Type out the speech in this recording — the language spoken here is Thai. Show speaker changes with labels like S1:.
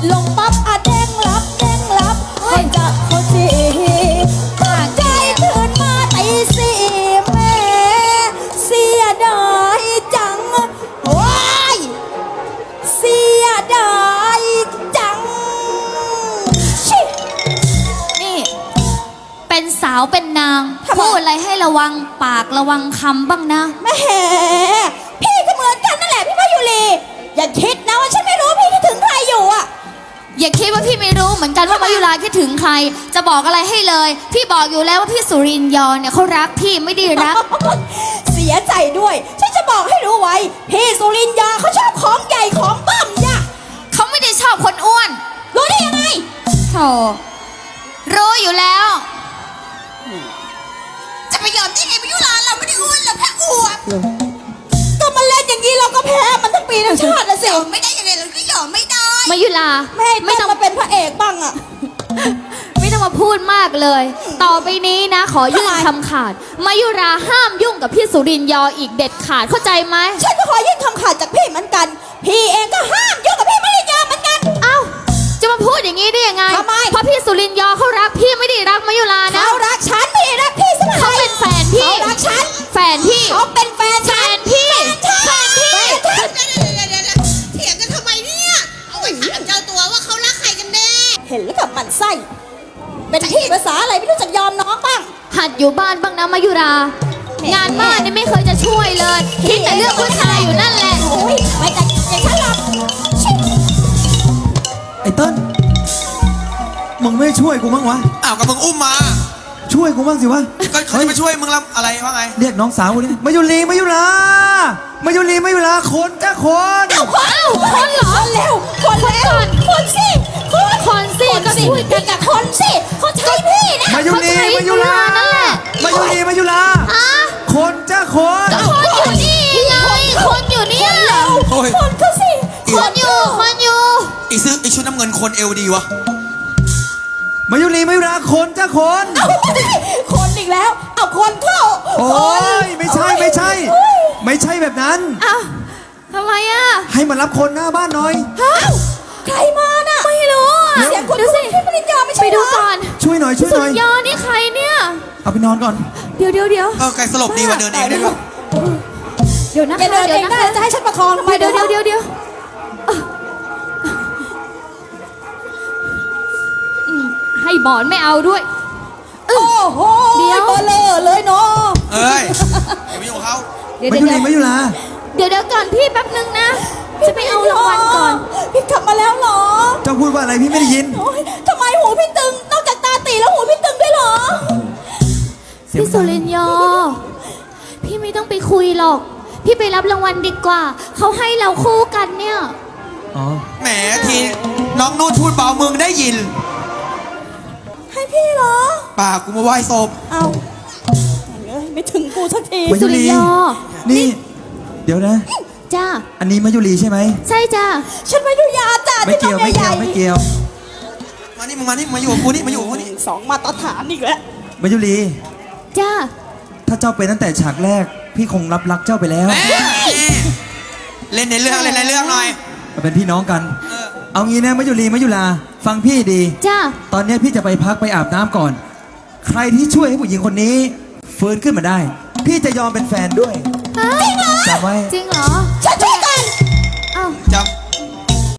S1: ลงปั๊บอะเด้งรับเด้งรับให้จัดเขาจีตั้งใจตื่นมาตีสี่แม่เสียดายจังว้ายเสียดายจังชิ
S2: นี่เป็นสาวเป็นนางพูดอะไรให้ระวังปากระวังคำบ้างนะ
S1: แม่พี่ก็เหมือนกันนั่นแหละพี่มายุรีอย่าคิดนะว่าฉันไม่รู้พี่คิดถึงใครอยู่อะ
S2: อย่าคิดว่าพี่ไม่รู้เหมือนกันว่ามายุราคิดถึงใคร จะบอกอะไรให้เลย พี่บอกอยู่แล้วว่าพี่สุรินทร์ยอเนี่ยเขารักพี่ไม่ได้รัก
S1: เสียใจด้วยฉันจะบอกให้รู้ไว้พี่สุรินทร์ยาเขาชอบของใหญ่ของบ้ามจ้ะ
S2: เขาไม่ได้ชอบคนอ้วน
S1: รู้ได้ยังไง
S2: โธ่รู้อยู่แล้ว
S3: จะไปยอมได้ไงมายุราเราไม่ได้อ้วนเราแค่อวบ
S1: ก็มาเล่นอย่างนี้เราก็แพ้มันทั้งปีทั้งชาตินะสิ
S3: ยอมไม่ได้ยังไงเราก็ยอมไม่ได้
S2: มายุรา
S1: ไม่ให้
S2: ไม่
S1: เต้น
S2: ต้อง
S1: มาเป็นพระเอกบ้างอะ
S2: ไม่ต้องมาพูดมากเลย ต่อไปนี้นะ ขอยื่น
S1: ทำไม
S2: คำขาดมายุราห้ามยุ่งกับพี่สุรินทร์ยออีกเด็ดขาดเข้าใจไหม
S1: ฉันก็ขอยื่นคำขาดจากพี่เหมือนกัน พี่เองก็ห้ามยุ่งกับพี่มาริยาเหมือนกัน
S2: เอ้าจะมาพูดอย่างนี้ได้ยังไง
S1: ทำไม
S2: เพราะพี่สุรินทร์ยอเขารักพี่ไม่ได้รักมายุรานะ
S1: เขารักฉันพี่รักพี่ใช่ไหม
S2: เขาเป็นแฟนพี่
S1: เขารักฉัน
S2: แฟนพี่
S1: เขาเป็นแฟน
S2: แฟ
S1: ฉัน
S2: นพี่
S1: แฟนพี่
S3: เถียงกันทำไมเนี่ยเอาไปถามเจ้าตัวว่าเขารักใครกันแน่
S1: เห็นแล้วกับหมันไส้เป็นที่ภาษาอะไรไม่รู้จักยอมน้องบ้าง
S2: หัดอยู่บ้านบ้างนะมายุรา งานบ้านนี่ไม่เคยจะช่วยเลยคิดแต่เรื่องผู้ชายอยู่นั่นแหละ
S1: โอ้ยไม่แต่อย่างฉันหรอกชิ
S4: ไอ้เติ้ลมึงไม่ช่วยกูบ้างวะ
S5: อ้าวก็มึงอุ้มมา
S4: ช่วยกูบ้างสิวะ
S5: ก็เขาจะมาช่วยมึงรับอะไรว่าไง
S4: เรียกน้องสาวกูดิมายุรีมายุรามายุรีมายุราคนจ้าคน
S2: เอ้าคนเหรอ
S1: คนเร็วคนเร็วคนสิคน
S2: คนสิก็ช่วยกัน
S1: กับคนสิเขาใช้พี่นะ
S4: มายุรีมายุรา
S2: นั่นแหละ
S4: มายุรีมายุรา
S2: อะ
S4: คนจ้าคน
S2: คนอยู่นี่ไงคนอยู่เนี่ย
S5: โอ้ย
S1: คนเขาสิ
S2: คนอยู่คนอยู่
S5: อีซื้อไอชุดน้ำเงินคนเอวดีวะ
S4: มายุรีมายุราคนจ้าคน
S1: คนอีกแล้วเอาคนเข้า
S4: โอ้ยไม่ใช่ไม่ใช่ ไม่ใช่แบบนั้น
S2: อ้าวทำไมอ่ะ
S4: ให้มารับคนหน้าบ้านหน่อย
S1: อ้าวใครมาน่ะ
S2: ไม่รู้อ่ะ
S1: เสียงคุณ
S2: ดูสิ
S1: พี่ปริญญาไม่ใช่
S2: ไป
S1: เหร
S2: ดู
S1: อ
S2: ก่อน
S4: ช่วยหน่อยช่วย
S2: สุ
S4: หน่
S2: ด
S4: อย
S2: ยอดนี่ใครเนี่ย
S4: เอาไปนอนก่อน
S2: เดี๋ยว
S5: เออไกลสลบดีกว่าเดินเองได้ด้วย
S2: เดี๋ยวนะ
S1: แก
S2: คะ
S1: เดิน
S2: เดี๋
S1: เอ
S2: ยว
S1: ง
S2: นะ
S1: ได้
S2: คะ
S1: จะให้ฉันประคองทำไม
S2: เดี๋ยวให้หมอนไม่เอาด้วย
S1: โอ้โห
S2: เดี๋ยว
S1: เบลอเลยเนาะ
S5: เอ้ยอย่าไปยุ่งกับเขา
S2: เดี๋ยว
S4: มายุรีมายุรา
S2: เดี๋ยวก่อนพี่แป๊บนึงนะ จะไปเอารางวัลก่อน
S1: พี่กลับมาแล้วเหรอ
S4: เจ้าพูดว่าอะไรพี่ไม่ได้ยิน
S1: โอ๊ยทำไมหูพี่ตึงนอกจากตาตีแล้วหูพี่ตึงด้วยเหรอ
S4: เสียง
S2: พี่สุรินทร์ยอ พี่ไม่ต้องไปคุยหรอก พี่ไปรับรางวัลดีกว่า เขาให้เราคู่กันเนี่ย
S4: อ๋อ
S5: แหมทีน้องนู่นพูดเบามึงได้ยิน
S1: ให้พี่เหรอ
S5: ป่ากูมาไหว้ศพ
S1: เอาเอ้ยไม่ถึงกูสักที
S4: มายุรี
S2: สุริยอ
S4: นี่ เดี๋ยวนะ
S2: จ้า
S4: อันนี้มายุรีใช่ไหม
S2: ใช่จ้า
S1: ฉันไม่ดูยาจ้ะ
S4: ไม่เกี่ยวไม่เกี่ยวไม่เกี่ยว
S5: มานี่มึงมานี่มาอยู่กับกูนี่มาอยู่กับกูนี่
S1: สองมาตรฐานอีกแล้ว
S4: มายุรี
S2: จ้า
S4: ถ้าเจ้าเป็นตั้งแต่ฉากแรก พี่คงรับรักเจ้าไปแล้ว
S5: แหมเล่นในเรื่องเล่นในเรื่องหน่อย
S4: มาเป็นพี่น้องกัน
S5: เออ
S4: เอางี้นะมายุรีมายุลาฟังพี่ดี
S2: จ้า
S4: ตอนนี้พี่จะไปพักไปอาบน้ำก่อน ใครที่ช่วยให้ผู้หญิงคนนี้ฟื้นขึ้นมาได้ พี่จะยอมเป็นแฟนด้วย
S2: จริงเหรอ
S4: จำไว้
S2: จริงเหรอ
S1: ฉันช่วยใคร